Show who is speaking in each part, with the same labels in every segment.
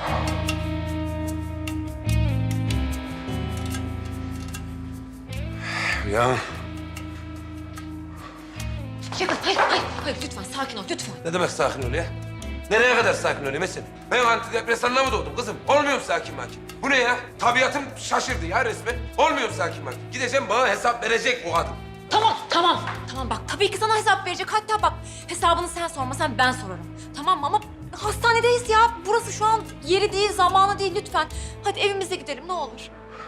Speaker 1: Ya
Speaker 2: Şevkat, hayır lütfen sakin ol lütfen.
Speaker 1: ne demek sakin ol ya? Nereye kadar sakin olayım Esin? Ben antidepresanla mı doğdum kızım? Olmuyorum sakin makin. Bu ne ya? Tabiatım şaşırdı ya resmen. Olmuyorum sakin makin. Gideceğim bana hesap verecek o kadın.
Speaker 2: Tamam bak tabii ki sana hesap verecek. Hatta bak hesabını sen sormasan ben sorarım. Tamam mı? Ama hastanedeyiz ya. Burası şu an yeri değil, zamanı değil lütfen. Hadi evimize gidelim ne olur.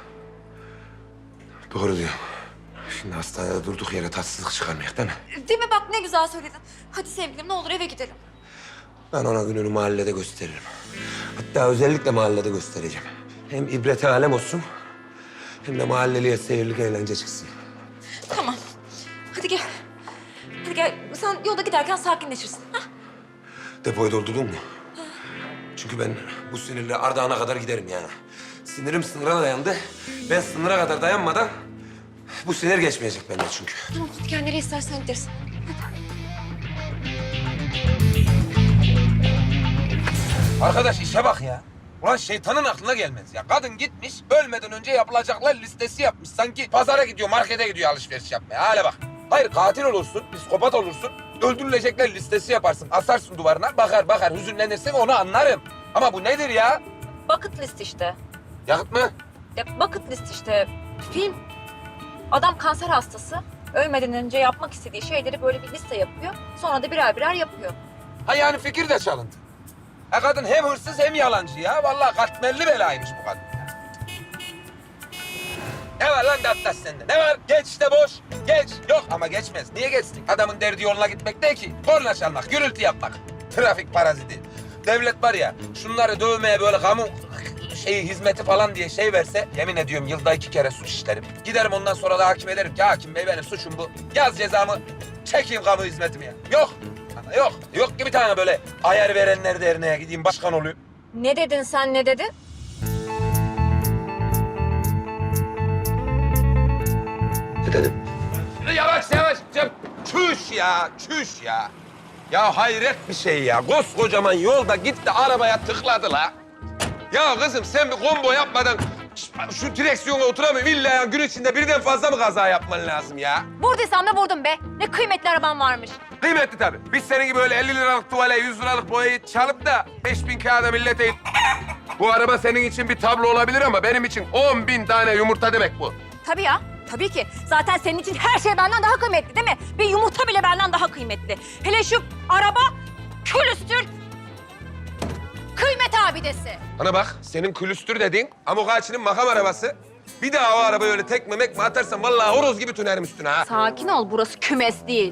Speaker 1: Doğru diyor. Şimdi hastanede durduk yere tatsızlık çıkarmayak değil mi?
Speaker 2: Değil mi bak ne güzel söyledin. Hadi sevgilim ne olur eve gidelim.
Speaker 1: Ben ona gününü mahallede gösteririm. Hatta özellikle mahallede göstereceğim. Hem ibrete alem olsun, hem de mahalleliye seyirlik eğlence çıksın.
Speaker 2: Tamam. Hadi gel. Hadi gel. Sen yolda giderken sakinleşirsin. Hah.
Speaker 1: Depoyu doldurdun mu? Çünkü ben bu sinirle Ardahan'a kadar giderim yani. Sinirim sınıra dayandı. Ben sınıra kadar dayanmadan bu sinir geçmeyecek benden çünkü.
Speaker 2: Tamam hadi gel nereye istersen gideriz.
Speaker 1: Arkadaş işe bak ya. Ulan şeytanın aklına gelmez ya. Kadın gitmiş, ölmeden önce yapılacaklar listesi yapmış. Sanki pazara gidiyor, markete gidiyor alışveriş yapmaya. Hale bak. Hayır katil olursun, psikopat olursun. Öldürülecekler listesi yaparsın. Asarsın duvarına, bakar, hüzünlenirsin onu anlarım. Ama bu nedir ya?
Speaker 2: Bucket list işte.
Speaker 1: Yakıt mı?
Speaker 2: Ya bucket list işte. Film. Adam kanser hastası. Ölmeden önce yapmak istediği şeyleri böyle bir liste yapıyor. Sonra da birer birer yapıyor.
Speaker 1: Ha yani fikir de çalıntı. Ha kadın hem hırsız hem yalancı ya. Vallahi katmerli belaymış bu kadın. Ne var lan Dattas sende? Ne var? Geç işte boş. Geç. Yok ama geçmez. Niye geçsin? Adamın derdi yoluna gitmek değil ki. Korna çalmak, gürültü yapmak. Trafik paraziti. Devlet var ya, şunları dövmeye böyle kamu hizmeti falan diye şey verse... ...yemin ediyorum yılda 2 kere suç işlerim. Giderim ondan sonra da hakim ederim ki hakim bey benim suçum bu. Yaz cezamı, çekeyim kamu hizmetimi ya. Yok. Ana yok. Yok ki bir tane böyle ayar verenler derneğe gideyim başkan olayım.
Speaker 2: Ne dedin sen ne dedin?
Speaker 1: Ne dedim? Yavaş. Çüş ya. Ya hayret bir şey ya. Koskocaman yolda gitti arabaya tıkladı la. Ya kızım sen bir combo yapmadan şu direksiyona oturamıyorum. İlla ya gün içinde birden fazla mı kaza yapman lazım ya?
Speaker 2: Vurduysam da vurdum be. Ne kıymetli araban varmış.
Speaker 1: Kıymetli tabii. Biz senin gibi öyle 50 liralık tuvale, 100 liralık boyayı çalıp da 5000 kağıda millete... Bu araba senin için bir tablo olabilir ama benim için 10.000 tane yumurta demek bu.
Speaker 2: Tabii ya. Tabii ki. Zaten senin için her şey benden daha kıymetli değil mi? Bir yumurta bile benden daha kıymetli. Hele şu araba külüstür kıymet abidesi.
Speaker 1: Bana bak, senin külüstür dediğin amok ağaçının makam arabası. Bir daha o arabayı öyle tekme mekme atarsan vallahi horoz gibi tünerim üstüne ha.
Speaker 2: Sakin ol. Burası kümes değil.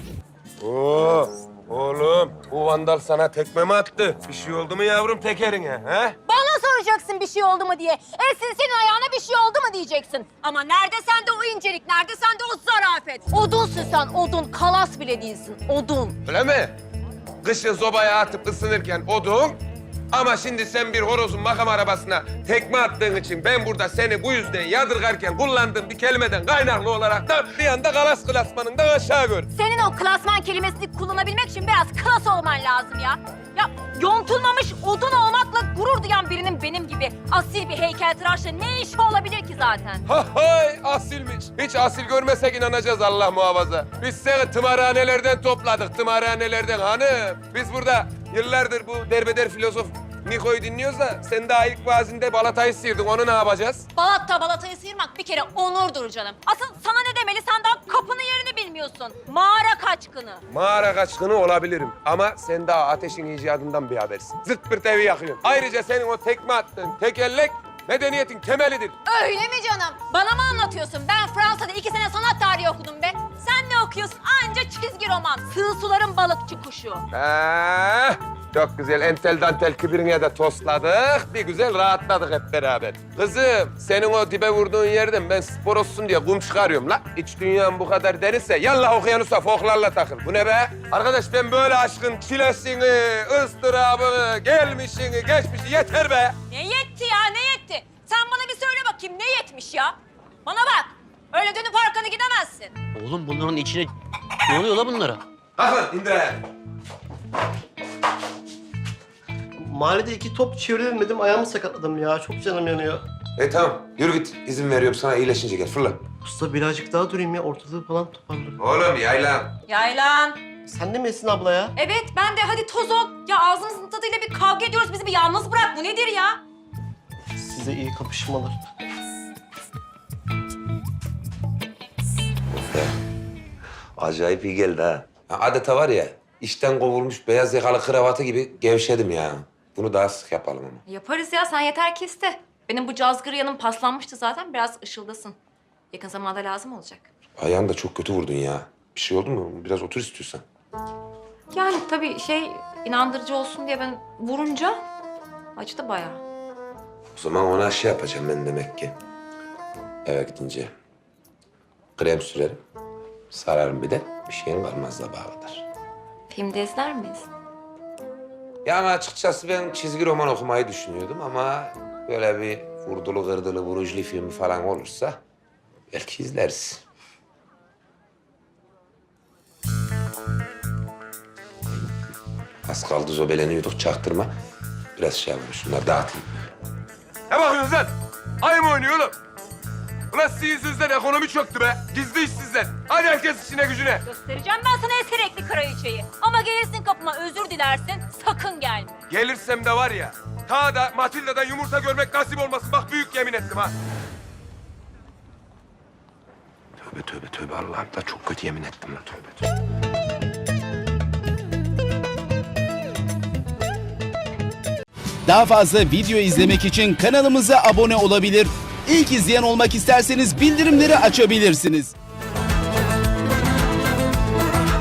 Speaker 1: Oo, oğlum bu vandal sana tekme mi attı? Bir şey oldu mu yavrum tekerine ha?
Speaker 2: Bana soracaksın bir şey oldu mu diye. Esin senin ayağına bir şey oldu mu diyeceksin. Ama nerede sende o incelik, nerede sende o zarafet? Odunsun sen, odun. Kalas bile değilsin, odun.
Speaker 1: Öyle mi? Kışın sobaya atıp ısınırken odun. Ama şimdi sen bir horozun makam arabasına tekme attığın için ben burada seni bu yüzden yadırgarken kullandığım bir kelimeden kaynaklı olarak da bir anda kalas klasmanından aşağı gör.
Speaker 2: Senin o klasman kelimesini kullanabilmek için biraz klas olman lazım ya. Ya yontulmamış odun olmakla gurur duyan birinin benim gibi asil bir heykeltıraşla ne işi olabilir ki zaten?
Speaker 1: Ha hay asilmiş. Hiç asil görmesek inanacağız Allah muhafaza. Biz seni tımarhanelerden topladık, tımarhanelerden hanım. Biz burada yıllardır bu derbeder filozof Niko'yu dinliyoruz da sen daha ilk vaazinde balatayı sıyırdın. Onu ne yapacağız?
Speaker 2: Balatayı sıyırmak bir kere onurdur canım. Asıl sana ne demeli? Sen daha kapının yerini bilmiyorsun. Mağara kaçkını.
Speaker 1: Mağara kaçkını olabilirim ama sen daha ateşin icadından bir habersin. Zırt pırt evi yakıyorsun. Ayrıca senin o tekme attığın tekerlek medeniyetin temelidir.
Speaker 2: Öyle mi canım? Bana mı anlatıyorsun? Ben Fransa'da 2 sene sanat tarihi okudum be. Sen ne okuyorsun? Anca çizgi roman. Sığ suların balıkçı kuşu.
Speaker 1: Çok güzel entel dantel kibirine de tosladık. Bir güzel rahatladık hep beraber. Kızım senin o dibe vurduğun yerden ben spor olsun diye kum çıkarıyorum la. İç dünyan bu kadar derinse yallah okyanusa foklarla takıl. Bu ne be? Arkadaş ben böyle aşkın çilesini, ıstırabını, gelmişini, geçmişi yeter be.
Speaker 2: Ne yetti ya ne yetti? Sen bana bir söyle bakayım ne yetmiş ya? Bana bak. Öyle dönüp arkanı gidemezsin.
Speaker 3: Oğlum bunların içine... Ne oluyor la bunlara?
Speaker 1: Kalk lan indir ayağını.
Speaker 4: Mahallede 2 top çeviremedim, ayağımı sakatladım ya. Çok canım yanıyor.
Speaker 1: Tamam yürü git. İzin veriyorum sana, iyileşince gel fırla.
Speaker 4: Usta birazcık daha durayım ya, ortalığı falan toparlarım.
Speaker 1: Oğlum yaylan.
Speaker 2: Yaylan.
Speaker 4: Sen de mi Esin abla ya?
Speaker 2: Evet ben de hadi toz ol. Ya ağzımızın tadıyla bir kavga ediyoruz. Bizi bir yalnız bırak. Bu nedir ya?
Speaker 4: Size iyi kapışmalar.
Speaker 1: Acayip iyi geldi ha. Adeta var ya, işten kovulmuş beyaz yakalı kravatı gibi gevşedim ya. Bunu daha sık yapalım ama.
Speaker 2: Yaparız ya sen yeter ki iste. Benim bu cazgır yanım paslanmıştı zaten. Biraz ışıldasın. Yakın zamanda lazım olacak.
Speaker 1: Ayağını da çok kötü vurdun ya. Bir şey oldu mu? Biraz otur istiyorsan.
Speaker 2: Yani tabii inandırıcı olsun diye ben vurunca acıdı bayağı.
Speaker 1: O zaman ona şey yapacağım ben demek ki. Eve gidince krem sürerim. Sararım bir de. Bir şeyin kalmaz da bağlıdır.
Speaker 2: Filmde izler miyiz?
Speaker 1: Ya ama açıkçası ben çizgi roman okumayı düşünüyordum ama böyle bir vurdulu kırdılı vuruşlu filmi falan olursa belki izleriz. Az kaldı zobeleniyorduk, çaktırma. Biraz şey yapalım, şunları dağıtayım.
Speaker 5: Ne bakıyorsunuz lan? Ay mı oynuyor oğlum? Ulan sizin yüzünüzden ekonomi çöktü be. Gizli işsizler. Hadi herkes işine gücüne.
Speaker 6: Göstereceğim ben sana eserekli kraliçeyi. Ama gelirsin kapıma özür dilersin, sakın gelme.
Speaker 5: Gelirsem de var ya, ta da Matilda'dan yumurta görmek nasip olmasın. Bak büyük yemin ettim ha.
Speaker 1: Tövbe tövbe tövbe, Allah'ım da çok kötü yemin ettim lan, tövbe tövbe.
Speaker 7: Daha fazla video izlemek için kanalımıza abone olabilir. İlk izleyen olmak isterseniz bildirimleri açabilirsiniz.